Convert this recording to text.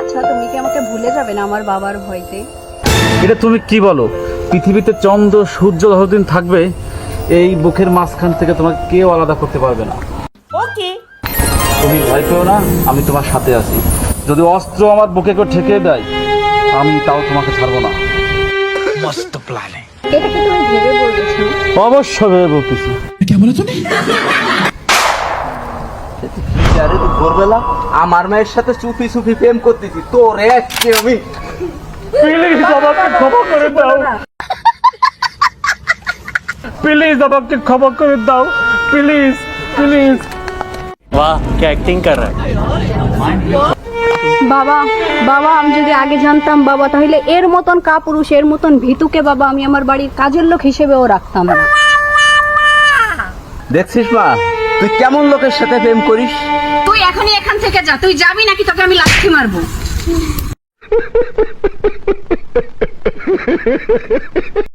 আচ্ছা তুমি কি আমাকে ভুলে যাবে না আমার বাবার ভয়তে? এটা তুমি কি বলো? পৃথিবীতে চন্দ্র সূর্য যতদিন থাকবে এই বুকের মাঝখান থেকে তোমাকে কেউ আলাদা করতে পারবে না। ওকে। তুমি ভয় পেও না, আমি তোমার সাথে আছি। যদি অস্ত্র আমার বুকে কেউ ঠেকে দেয় আমি তাও তোমাকে ছাড়বো না। এটা কি তুমি ভেবে বলছো? অবশ্য ভেবে বলতেছি। আরে তুই ভোরবেলা আমার মায়ের সাথে চুপি চুপি প্রেম করতেছি, তোর আজকে আমি প্লিজ আমাকে ক্ষমা করে দাও, প্লিজ আমাকে ক্ষমা করে দাও, প্লিজ প্লিজ। वाह क्या एक्टिंग कर रहा है। বাবা বাবা আমি যদি আগে জানতাম বাবা তাহলে এর মতন কাপুরুষ এর মতন ভীতুকে বাবা আমি আমার বাড়ির কাজের লোক হিসেবেও রাখতাম না। দেখছিস মা তুই কেমন লোকের সাথে প্রেম করিস। তুই এখনই এখান থেকে যা, তুই যাবি নাকি তোকে আমি লাথি মারবো।